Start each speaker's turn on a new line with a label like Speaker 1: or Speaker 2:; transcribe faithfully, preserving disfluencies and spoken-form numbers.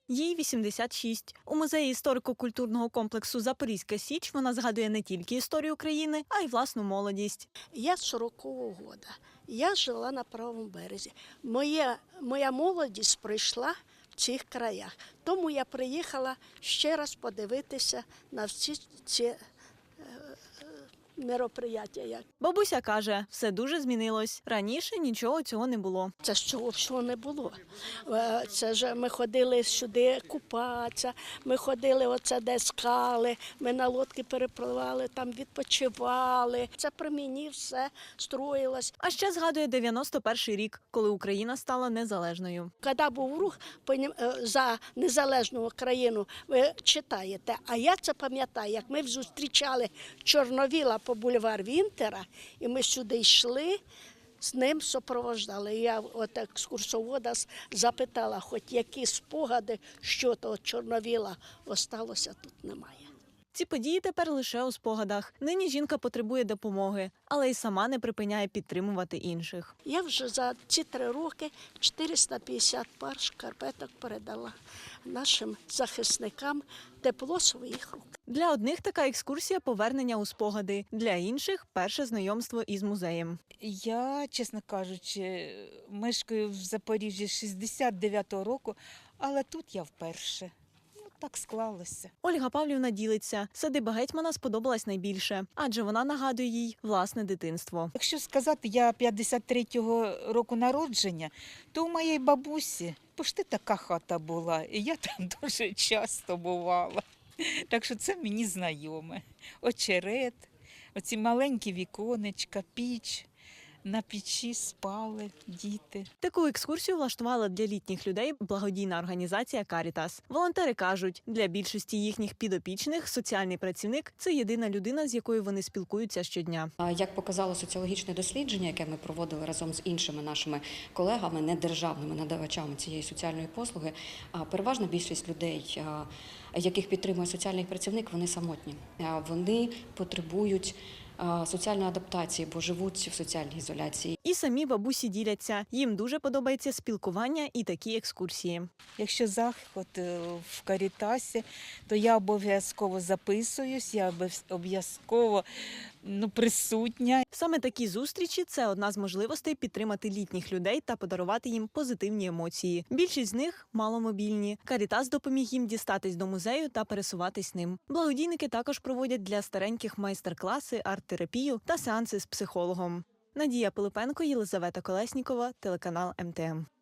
Speaker 1: Їй вісімдесят шість. У музеї історико-культурного комплексу «Запорізька Січ» вона згадує не тільки історію країни, а й власну молодість.
Speaker 2: Я з сорокового года. Я жила на правому березі. Моя, моя молодість пройшла в цих краях. Тому я приїхала ще раз подивитися на всі ці е, мероприятия.
Speaker 1: Бабуся каже, все дуже змінилось. Раніше нічого цього не було.
Speaker 2: Це ж цього всього не було. Е, Це ж ми ходили сюди купатися, ми ходили оце де скали, ми на лодки перепливали, там відпочивали. Це при мені все строїлось.
Speaker 1: А ще згадує дев'яносто перший рік, коли Україна стала незалежною.
Speaker 2: Коли був рух за незалежну країну, ви читаєте, а я це пам'ятаю, як ми зустрічали Чорновіла по бульвар Вінтера, і ми сюди йшли, з ним супроводжали. Я от екскурсовода запитала, хоч які спогади, що того Чорновіла осталося, тут немає.
Speaker 1: Ці події тепер лише у спогадах. Нині жінка потребує допомоги, але й сама не припиняє підтримувати інших.
Speaker 2: Я вже за ці три роки чотириста п'ятдесят пар шкарпеток передала нашим захисникам, тепло своїх рук.
Speaker 1: Для одних така екскурсія – повернення у спогади, для інших – перше знайомство із музеєм.
Speaker 3: Я, чесно кажучи, мешкаю в Запоріжжі з шістдесят дев'ятого року, але тут я вперше. Ну, так склалося.
Speaker 1: Ольга Павлівна ділиться, садиба гетьмана сподобалась найбільше, адже вона нагадує їй власне дитинство.
Speaker 3: Якщо сказати, я п'ятдесят третього року народження, то у моєї бабусі пошти така хата була, і я там дуже часто бувала. Так що це мені знайоме. Очерет, оці маленькі віконечка, піч. На печі спали діти.
Speaker 1: Таку екскурсію влаштувала для літніх людей благодійна організація «Карітас». Волонтери кажуть, для більшості їхніх підопічних соціальний працівник – це єдина людина, з якою вони спілкуються щодня.
Speaker 4: Як показало соціологічне дослідження, яке ми проводили разом з іншими нашими колегами, недержавними надавачами цієї соціальної послуги, переважна більшість людей, яких підтримує соціальний працівник, вони самотні. Вони потребують соціальної адаптації, бо живуть в соціальній ізоляції.
Speaker 1: І самі бабусі діляться. Їм дуже подобається спілкування і такі екскурсії.
Speaker 3: Якщо заход в Карітасі, то я обов'язково записуюсь, я обов'язково ну, присутня.
Speaker 1: Саме такі зустрічі – це одна з можливостей підтримати літніх людей та подарувати їм позитивні емоції. Більшість з них – маломобільні. «Карітас» допоміг їм дістатись до музею та пересуватись ним. Благодійники також проводять для стареньких майстер-класи, арт-терапію та сеанси з психологом. Надія Пилипенко, Єлизавета Колеснікова, телеканал ем те ем.